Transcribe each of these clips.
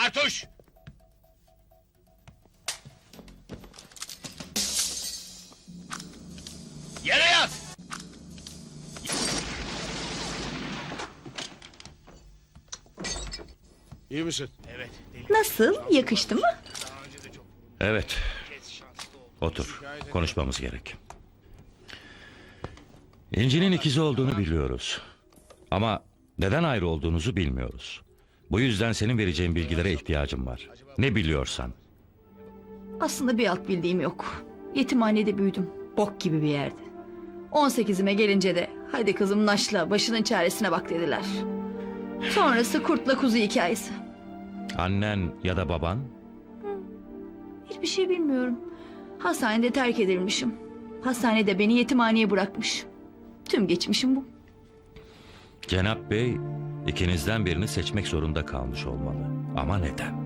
Bartuş! Yere yat! İyi misin? Evet. Nasıl? Yakıştı mı? Evet. Otur. Konuşmamız gerek. İnci'nin ikizi olduğunu biliyoruz. Ama neden ayrı olduğunuzu bilmiyoruz. Bu yüzden senin vereceğin bilgilere ihtiyacım var. Ne biliyorsan. Aslında bir alt bildiğim yok. Yetimhanede büyüdüm. Bok gibi bir yerde. 18'ime gelince de hadi kızım naşla başının çaresine bak dediler. Sonrası kurtla kuzu hikayesi. Annen ya da baban? Hiçbir şey bilmiyorum. Hastanede terk edilmişim. Hastanede beni yetimhaneye bırakmış. Tüm geçmişim bu. Cenap Bey ikinizden birini seçmek zorunda kalmış olmalı. Ama neden?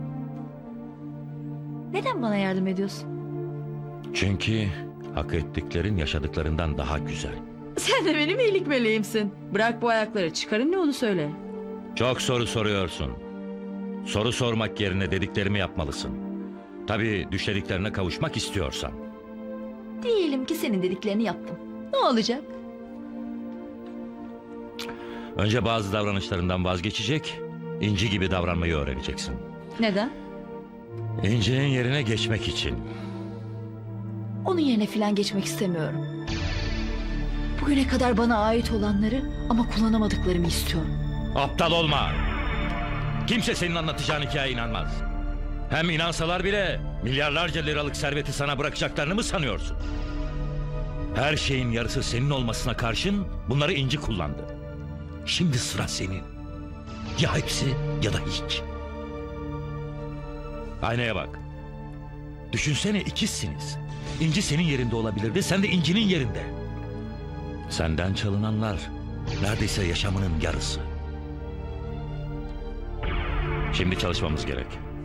Neden bana yardım ediyorsun? Çünkü hak ettiklerin yaşadıklarından daha güzel. Sen de benim iyilik meleğimsin. Bırak bu ayakları, çıkarın ne onu söyle. Çok soru soruyorsun. Soru sormak yerine dediklerimi yapmalısın. Tabii düşlediklerine kavuşmak istiyorsan. Diyelim ki senin dediklerini yaptım. Ne olacak? Önce bazı davranışlarından vazgeçecek, İnci gibi davranmayı öğreneceksin. Neden? İnci'nin yerine geçmek için. Onun yerine filan geçmek istemiyorum. Bugüne kadar bana ait olanları ama kullanamadıklarımı istiyorum. Aptal olma. Kimse senin anlatacağın hikayeye inanmaz. Hem inansalar bile milyarlarca liralık serveti sana bırakacaklarını mı sanıyorsun? Her şeyin yarısı senin olmasına karşın bunları İnci kullandı. Şimdi sıra senin. Ya hepsi ya da hiç. Aynaya bak. Düşünsene ikizsiniz. İnci senin yerinde olabilirdi, sen de İnci'nin yerinde. Senden çalınanlar neredeyse yaşamının yarısı. Şimdi çalışmamız gerek.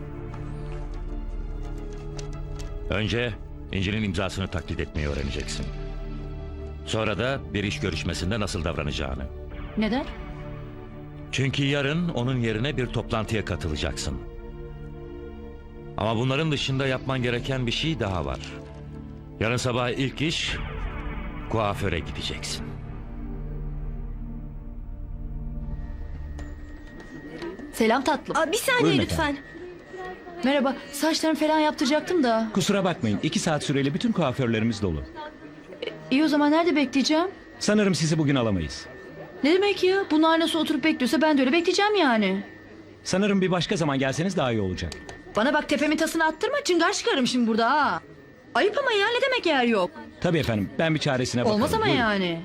Önce İnci'nin imzasını taklit etmeyi öğreneceksin. Sonra da bir iş görüşmesinde nasıl davranacağını. Neden? Çünkü yarın onun yerine bir toplantıya katılacaksın. Ama bunların dışında yapman gereken bir şey daha var. Yarın sabah ilk iş kuaföre gideceksin. Selam tatlım. Aa, bir saniye Buyurun lütfen. Merhaba, saçlarımı falan yaptıracaktım da. Kusura bakmayın, 2 saat süreli bütün kuaförlerimiz dolu. İyi o zaman nerede bekleyeceğim? Sanırım sizi bugün alamayız. Ne demek ya? Bunlar nasıl oturup bekliyorsa ben de öyle bekleyeceğim yani. Sanırım bir başka zaman gelseniz daha iyi olacak. Bana bak tepemin tasını attırma, çıngar çıkarım şimdi burada ha. Ayıp ama ya, ne demek yer yok? Tabii efendim, ben bir çaresine bakarım. Olmaz ama Buyurun. yani.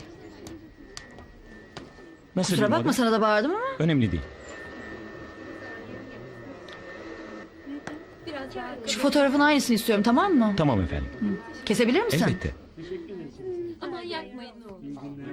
Nasıl Kusura bir bakma moda? sana da bağırdım ama. Önemli değil. Şu fotoğrafın aynısını istiyorum, tamam mı? Tamam efendim. Kesebilir misin? Elbette. Aman yapmayın ne olur.